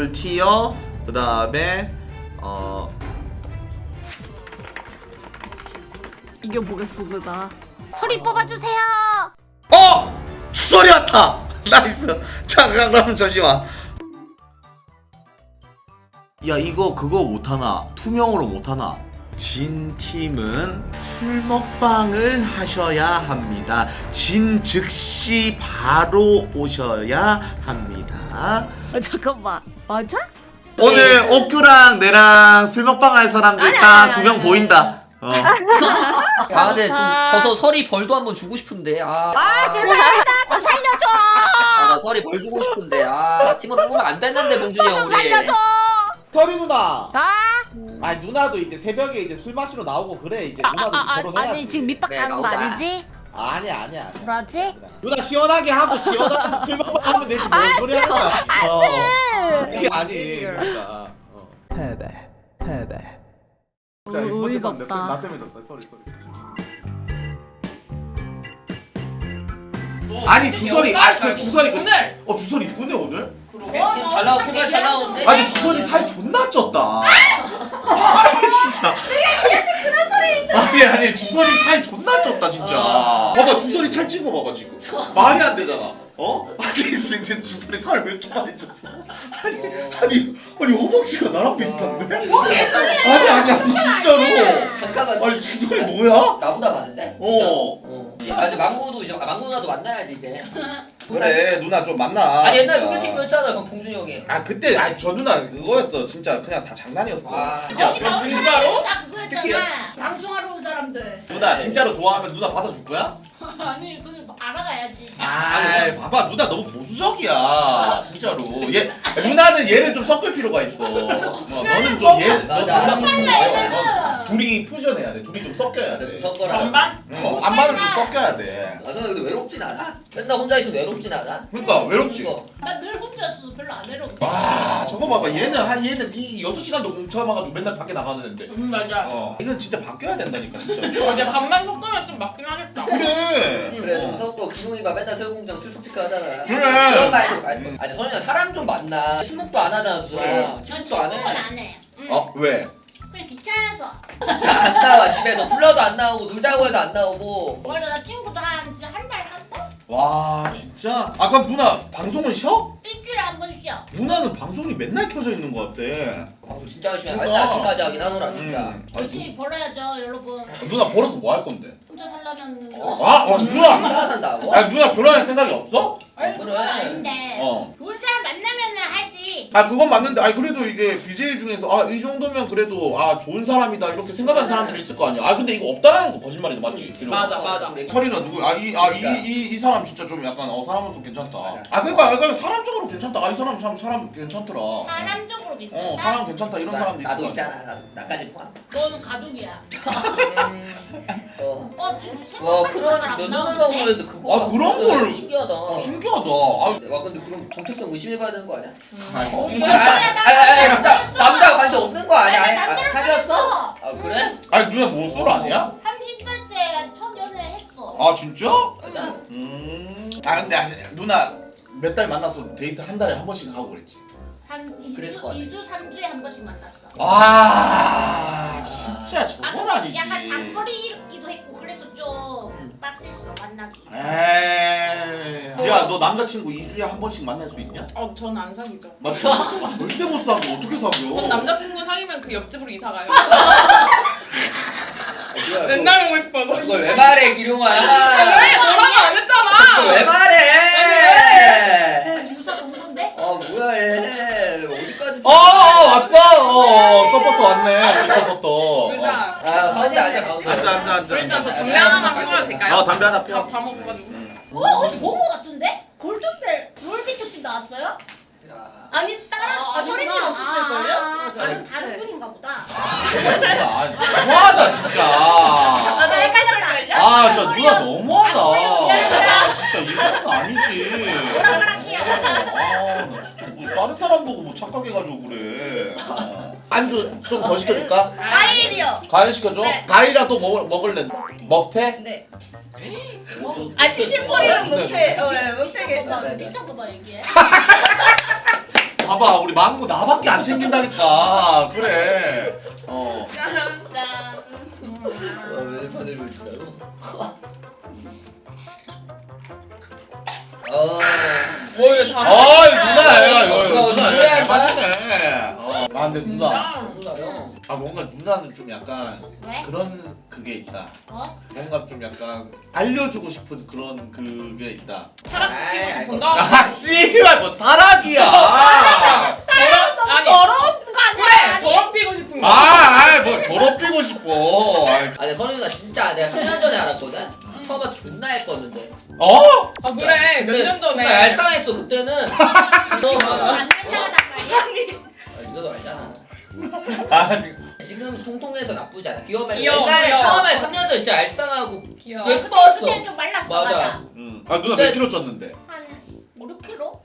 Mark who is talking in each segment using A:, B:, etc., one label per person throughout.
A: 술 티어 그 다음에
B: 이겨보겠습니다.
C: 소리 뽑아주세요.
A: 주설이 왔다. 나이스. 잠깐 그럼 잠시만. 야 이거 그거 못하나? 투명으로 못하나? 진 팀은 술 먹방을 하셔야 합니다. 진 즉시 바로 오셔야 합니다.
B: 잠깐만, 맞아?
A: 오늘 옥규랑 내랑 술 먹방 할 사람들 딱 두 명 보인다.
D: 아 근데 좀 져서 설이 벌도 한번 주고 싶은데
C: 제발 나 좀 살려줘.
D: 나 설이 벌 주고 싶은데 팀으로 뽑으면 안 됐는데 봉준이 형
C: 좀
D: 우리
C: 살려줘.
E: 서리 누나.
C: 나?
E: 아니 누나도 이제 새벽에 이제 술 마시러 나오고 그래 이제 누나도 이제 결혼해야지.
C: 아니 지금 밑밥
D: 네,
C: 가는 거
D: 나오자.
C: 아니지?
E: 아니야.
C: 뭐라지?
E: 누나 시원하게 하고 시원하게 술 먹고 하면 되지 뭔 소리 하는 거야. 이게 아니. 누나.
B: 패배.
E: 자, 이거
B: 어이가
E: 나
B: 없다.
E: 때문에 졌다. 쏘리.
A: 아니 주설이 그 주설이 오늘 주설이 이쁘네 오늘.
D: 잘 나오고 정말 잘 나오는데
A: 아니 주설이 살 존나 쪘다. 아니 진짜. 아니 주설이 살 존나 쪘다 진짜. 봐봐 주설이 살 찐 거 봐봐 지금. 말이 안 되잖아. 아니 지금 주설이 살 왜 이렇게 많이 쪘어? 아니 허벅지가 나랑 비슷한데? 아니 진짜로.
D: 잠깐만
A: 아니 주설이 뭐야?
D: 나보다 많은데? 근데 망고도 이제 망고 누나도 만나야지 이제
A: 그래 누나 좀 만나.
D: 아니 옛날 소개팅이었잖아 그럼 봉준이 형이
A: 그때 저 누나 그거였어 진짜 그냥 다 장난이었어.
F: 거기 나온 사람이 다
D: 특히요?
F: 그거였잖아. 방송하러 온 사람들.
A: 누나 진짜로 좋아하면 누나 받아줄 거야?
F: 아니 그걸 알아가야지.
A: 봐봐 누나 너무 보수적이야 진짜로. 누나는 얘를 좀 섞을 필요가 있어. 너는 좀
D: 맞아.
A: 누나 둘이 퓨전해야 돼. 둘이 좀 섞여야 돼.
D: 섞어라
A: 반반을 좀 섞여야 돼.
D: 저는 근데 외롭진 않아 맨날 혼자 있으면 외롭진 않아
A: 그러니까 외롭지.
F: 나 늘 혼자였어. 별로 안 외로워.
A: 저거 봐봐 얘는 이 6시간도 뭉쳐봐가지고 맨날 밖에 나가는 앤데.
F: 맞아.
A: 이건 진짜 바뀌어야 된다니까 진짜.
F: 근데 밥만 섞으면 좀 맞긴 하겠다.
A: 그래
D: 좀 섞고 기동이가 맨날 새우공장 출석 체크하잖아
A: 그래.
D: 그런 말도 아니 선이야 사람 좀 만나 친목도 안 하잖아 누나
F: 난
D: 친목도 안
F: 친구는
D: 해
F: 안 해.
A: 왜?
F: 그냥 귀찮아서.
D: 진짜 안 나와 집에서 불러도 안 나오고 놀자고 해도 안 나오고
F: 맞아 나 친구도 한 달?
A: 와 진짜? 그럼 누나 방송은 쉬어?
F: 일주일에 한 번 쉬어.
A: 누나는 방송이 맨날 켜져 있는 것 같아.
D: 방송 진짜 열심히 해
A: 그러니까.
D: 맨날 아침까지 하긴 하노라 진짜
F: 열심히 벌어야죠 여러분.
A: 누나 벌어서 뭐 할 건데?
F: 혼자 살려면.
A: 누나!
D: 혼자 산다고?
A: 누나 결혼할 생각이 없어?
F: 그건 아닌데. 좋은 사람 만나면은 하지.
A: 그건 맞는데 그래도 이게 BJ 중에서 이 정도면 그래도 좋은 사람이다 이렇게 생각하는 사람들이 있을 거 아니야. 근데 이거 없다라는 거 거짓말이다 맞지?
F: 맞아.
A: 설이나 누구 이 사람 진짜 좀 약간 사람으로서 괜찮다. 그러니까 사람적으로 괜찮다. 이 사람 괜찮더라.
F: 사람적으로 괜찮다.
A: 사람 괜찮다 이런 사람도 있을
D: 나도
A: 거 아니야.
D: 있잖아 나까지 포함
F: 너는 가족이야. 진짜
D: 와
F: 생각하는
D: 그런
F: 사람
D: 몇
F: 안
D: 년을
F: 나오는데?
D: 먹었는데 그거
A: 그런 걸
D: 신기하다
A: 신기하다.
D: 와 근데 그럼 정체성 의심해봐야 되는 거 아니야?
F: 그래,
D: 진짜 남자가 관심 없는 거 아니야?
F: 아니, 남자랑
D: 사귀었어? 그래?
A: 누나 뭐 쏠 아니야?
F: 30살 때 첫 연애 했어.
A: 진짜?
D: 맞아
A: 근데 누나 몇 달 만나서 데이트 한 달에 한 번씩 하고 그랬지.
F: 한
D: 그랬을 것 같아.
F: 2주, 3주에 한 번씩 만났어.
A: 진짜 저건
F: 근데
A: 아니지.
F: 약간 장거리기도 했고 그래서 좀 빡셌어 만나기.
A: 에이. 야, 너 남자친구 2주에 한 번씩 만날 수 있냐?
G: 전 안 사귀죠.
A: 맞지? 절대 못 사겨. 어떻게 사겨?
G: 전 남자친구 사귀면 그 옆집으로 이사 가요.
D: 뭐야,
G: 맨날 오고 싶어서.
D: 그걸 왜 말해 기룡아
G: 왜 뭐라고 안 했잖아.
D: 그걸 왜 말해
F: 아니 유사 동문데?
D: 뭐야 얘 어디까지
A: 왔어. 서포터 왔네. 서포터.
G: 일단
D: 가운데 앉아 가운데
A: 앉아.
G: 일단 저 담배 하나만 피워도 될까요?
A: 담배 하나 펴.
G: 다 먹어가지고.
F: 어디서 모모 같은데? 골든벨 롤비 특집 나왔어요?
C: 아니 서린님 없었을걸요?
F: 다른 분인가 보다.
A: 너무하다 진짜.
F: 나 헷갈렸다.
A: 저 누나 너무하다.
F: 미안합니다.
A: 진짜 이건 아니지.
F: 오락가락해요.
A: 나 진짜 뭐 다른 사람 보고 뭐 착각해가지고 그래. 안주 좀 더 시켜줄까?
C: 과일이요.
A: 과일 시켜줘?
C: 네.
A: 과일이라도 먹을래? 먹태?
C: 네.
F: 뭐?
C: 칭칭거리랑
A: 네,
C: 못해.
A: 네.
C: 못해 괜찮아.
F: 비싼 거 봐 얘기해.
A: 봐봐 봐봐 우리 망고 나밖에 안 챙긴다니까. 그래.
C: 짠.
D: 왜 보내고 있으라고?
G: 뭘 다.
A: 누나야 이거 누나
D: 누나야,
A: 잘
D: 누나.
A: 마시네. 아 근데 누나.
D: 누나요?
A: 아 뭔가 누나는 좀 약간
F: 왜?
A: 그런 그게 있다.
F: 어?
A: 뭔가 좀 약간 알려주고 싶은 그런 그게 있다.
G: 타락시키고 싶은가?
A: 아 씨발 뭐 타락이야.
G: 아니
C: 더러운 거 아니야?
G: 그래 더럽히고 싶은 거.
A: 뭘 더럽히고 싶어. 아이,
D: 근데 선희 누나 진짜 내가 3년 전에 알았거든? 처음에 존나 예뻤는데
A: 어?
G: 아 그래 몇 년 전에.
D: 정말 얄쌍했어 그때는.
F: 안 불쌍하단 말이야?
D: 너도 알잖아.
A: 아니
D: 지금 통통해서 나쁘지 않아. 귀여우면
G: 귀여워,
D: 옛날에
G: 귀여워.
D: 처음에 3년 전에 진짜 얄쌍하고
G: 귀여워.
D: 예뻤어.
F: 그때 좀 말랐어.
D: 맞아.
F: 맞아.
A: 아 누나
D: 근데-
A: 몇 킬로 쪘는데?
F: 한 5, 6kg?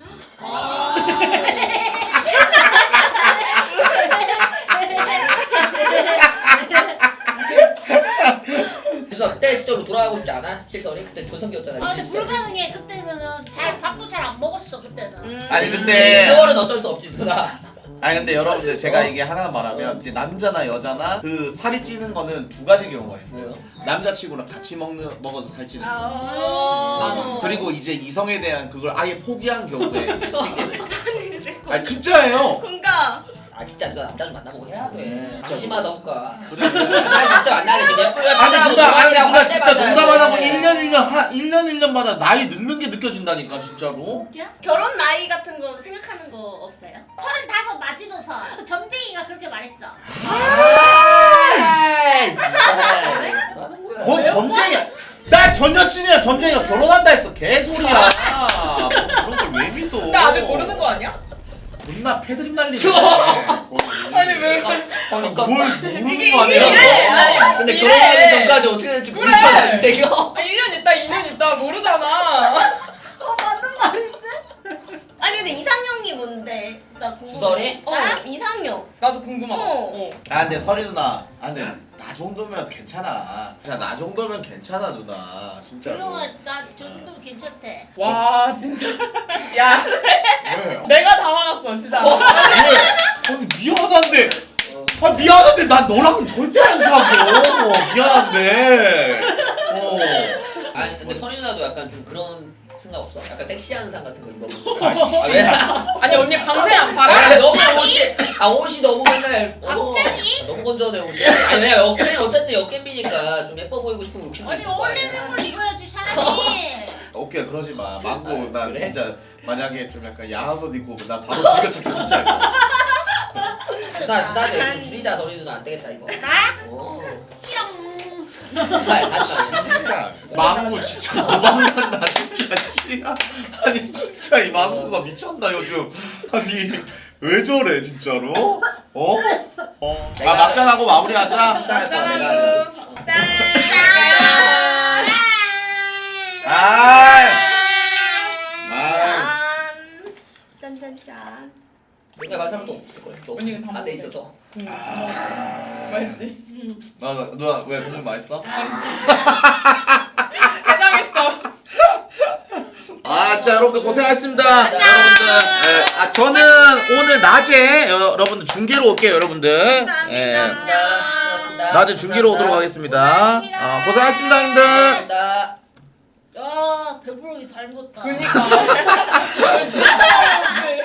D: 그래서 그때 시절로 돌아가고 싶지 않아? 실선이? 그때 전성기였잖아.
F: 아 근데
D: 이 시절.
F: 불가능해. 그때는 밥도 잘 안 먹었어. 그때는.
A: 아니
D: 이
A: 근데
D: 세월은 어쩔 수 없지 누나.
A: 아니 근데 여러분들 제가 이게 하나 말하면 이제 남자나 여자나 그 살이 찌는 거는 두 가지 경우가 있어요. 남자친구랑 같이 먹어서 살찌는 거. 그리고 이제 이성에 대한 그걸 아예 포기한 경우에 아 진짜예요.
C: 그러니까
D: 아 진짜 누나 남자를 만나보고 해야 돼. 조심하던가.
A: 그래.
D: 나 진짜 만나게 좀 예쁘게
A: 아니 누나 진짜 농담 안 하고
D: 일
A: 1년 1년마다 나이 늙는 게 느껴진다니까 진짜로.
C: 결혼 나이 같은 거 생각하는 거 없어요?
F: 35 마지노선. 그 점쟁이가 그렇게 말했어.
A: 뭔 점쟁이야? 나 전 여친이야 점쟁이가 결혼한다 했어 개소리야. 뭐 그런 걸 왜 믿어?
G: 나 아직 모르는 거 아니야?
A: 존나 패드립 날리네.
G: 아니 왜?
A: 아니 뭘 모르는 거 아니야?
G: 아니,
D: 근데
G: 이래.
D: 결혼하기 전까지 어떻게 될지
G: 그래.
D: 모르잖아 인생이.
G: 1년 있다 2년 있다 모르잖아.
C: 맞는 말인데? 아니 근데 이상형이 뭔데? 나 궁금해.
D: 주설이?
C: 이상형.
G: 나도 궁금하다.
C: 어.
A: 아 근데 설이 누나, 아 근데 나 정도면 괜찮아. 그냥 나 정도면 괜찮아 누나 진짜로.
F: 그러면 나저 정도면 괜찮대.
G: 와 진짜. 야
A: 왜?
G: 내가 다 화났어 진짜.
A: 왜? 아니 미안한데. 아 미안한데 난 너랑은 절대 안 사겨. 미안한데.
D: 아니 근데 선희 누나도 약간 좀 그런 생각 없어? 약간 섹시한 상 같은 거 입어보고.
A: 아 씨.
D: 왜?
G: 아니 언니 방새 안
D: 아
G: 팔아?
D: 너무 옷이 너무 맨날
F: 갑자기?
D: 너무 건조해 옷이. 아니 왜 어쨌든 역겜비니까 좀 예뻐 보이고 싶은 욕심도
F: 아니
D: 있을 거 아니야.
F: 어울리는 걸 입어야지 사람이.
A: 오케이 그러지 마. 망고 나
D: 그래?
A: 진짜 만약에 좀 약간 야한 옷 입고 나 바로 즐겨찾기 진짜 할 거야.
D: 누나한테 좀 부리자 선희 누나 안 되겠다 이거.
F: 나?
D: 오.
F: 싫어.
D: 씨발 다시 가네.
A: 그러니까 망고 진짜 도망간다 진짜 씨. 아니 진짜 이 망고가 미쳤나 요즘. 아니 왜 저래 진짜로? 어? 아 막잔하고 마무리하자.
D: 쌀 거야 내가.
C: 짠.
A: 아.
C: 짠짠짠.
D: 내가 말 사람도 없을 거야. 또
G: 언니는 다
D: 안돼
G: 먹었대.
D: 있어서.
G: 맛있지?
A: 누나 왜 국물 맛있어?
G: 해당했어.
A: 아, 자 여러분들 고생하셨습니다. 여러분들, 저는 오늘 낮에 여러분들 중계로 올게요, 여러분들.
D: 고맙습니다.
A: 낮에 중계로 오도록 하겠습니다. 고생하셨습니다, 형들.
D: 감사합니다.
F: 야 배부르기 잘 먹었다.
G: 그니까.